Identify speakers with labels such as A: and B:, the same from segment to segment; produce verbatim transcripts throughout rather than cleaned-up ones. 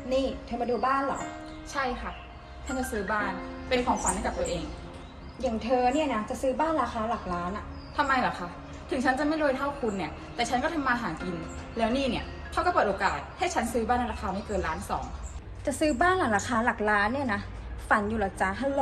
A: นี่เธอมาดูบ้านเหรอ
B: ใช่ค่ะฉันจะซื้อบ้านเป็นของขวัญให้กับตัวเอง
A: อย่างเธอเนี่ยนะจะซื้อบ้านราคาหลักล้านอะ
B: ทำไมล่ะคะถึงฉันจะไม่รวยเท่าคุณเนี่ยแต่ฉันก็ทำมาหากิน แล้วนี่เนี่ยเขาก็เปิดโอกาสให้ฉันซื้อบ้านในราคาไม่เกินล้านสอง
A: จะซื้อบ้านหลังราคาหลักล้านเนี่ยนะฝันอยู่เหรอจ๊ะฮัลโหล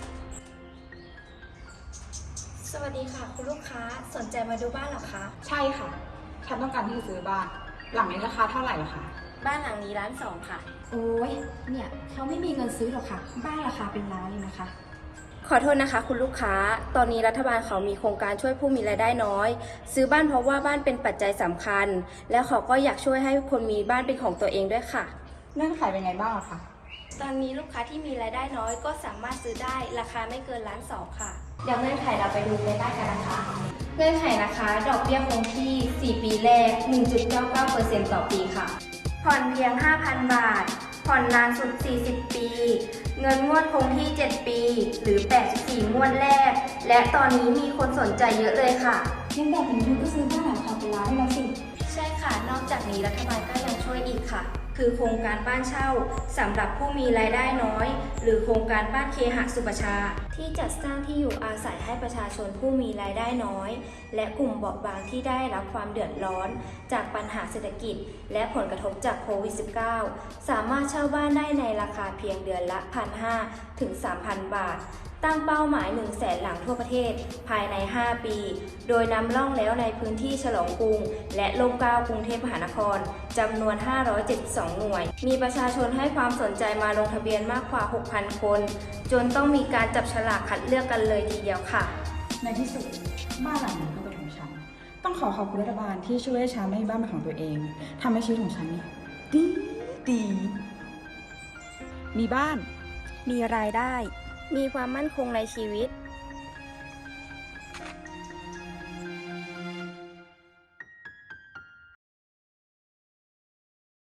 C: สวัสดีค่ะคุณลูกค้าสนใจมาดูบ้านเหรอคะ
B: ใช่ค่ะ ฉันต้องการที่จะซื้อบ้าน หลังนี้ราคาเท่าไหร่ล่ะคะ
C: บ้านหลังนี้ล้านสองค่ะ
A: โอ้ยเนี่ยเขาไม่มีเงินซื้อหรอกค่ะบ้านราคาเป็นล้านเลยนะคะ
C: ขอโทษนะคะคุณลูกค้า ตอนนี้รัฐบาลเขามีโครงการช่วยผู้มีรายได้น้อย ซื้อบ้านเพราะว่าบ้านเป็นปัจจัยสำคัญ และเขาก็อยากช่วยให้คนมีบ้านเป็นของตัวเองด้วยค่ะ
B: เงื่อนไขเป็นไงบ้างล่ะคะ
C: ตอนนี้ลูกค้าที่มีรายได้น้อยก็สามารถซื้อได้ราคาไม่เกินล้านสองค่ะ เดี๋ยวเงื่อนไขเราไปดูในบ้านกันนะคะ เงื่อนไขนะคะ ดอกเบี้ยคงที่ สี่ ปีแรก หนึ่งจุดเก้าเก้าเปอร์เซ็นต์ ต่อปีค่ะ ผ่อนเพียง ห้าพัน บาท ผ่อนนานสุด สี่สิบ ปี เงินงวดคงที่ เจ็ด ปี หรือ แปดสิบสี่ งวดแรก และตอนนี้มีคนสนใจเยอะเลยค่ะ
A: งั้นแบบนี้เธอก็ซื้อบ้านหลังราคาเป็นล้านได้แล้วสิ
C: ใช่ค่ะ นอกจากนี้รัฐบาลก็ยังช่วยอีกค่ะ คือโครงการบ้านเช่าสำหรับผู้มีรายได้น้อย หรือโครงการบ้านเคหะสุประชา ที่จัดสร้างที่อยู่อาศัยให้ประชาชนผู้มีรายได้น้อย และกลุ่มเบาะบางที่ได้รับความเดือดร้อน จากปัญหาเศรษฐกิจ และผลกระทบจากโควิด สิบเก้า สามารถเช่าบ้านได้ในราคาเพียงเดือนละ หนึ่งพันห้าร้อย ถึง สามพัน บาท ตั้งเป้าหมาย หนึ่งแสน หลังทั่วประเทศภายใน ห้า ปี โดยนำร่องแล้วในพื้นที่ฉลองกรุง และร่มเกล้ากรุงเทพมหานครจำนวน ห้าร้อยเจ็ดสิบสอง หน่วย มีประชาชนให้ความสนใจมาลงทะเบียนมากกว่า หกพัน คน จนต้องมีการจับฉลากคัดเลือกกันเลยทีเดียวค่ะ
B: ในที่สุดบ้านหลังนี้ก็เป็นของฉัน ต้องขอขอบคุณรัฐบาลที่ช่วยให้ฉันได้มีบ้านเป็นของตัวเองทำให้ชีวิตของฉันเนี่ยดีดี มีบ้าน
A: มีรายได้
C: มีความมั่นคงในชีวิต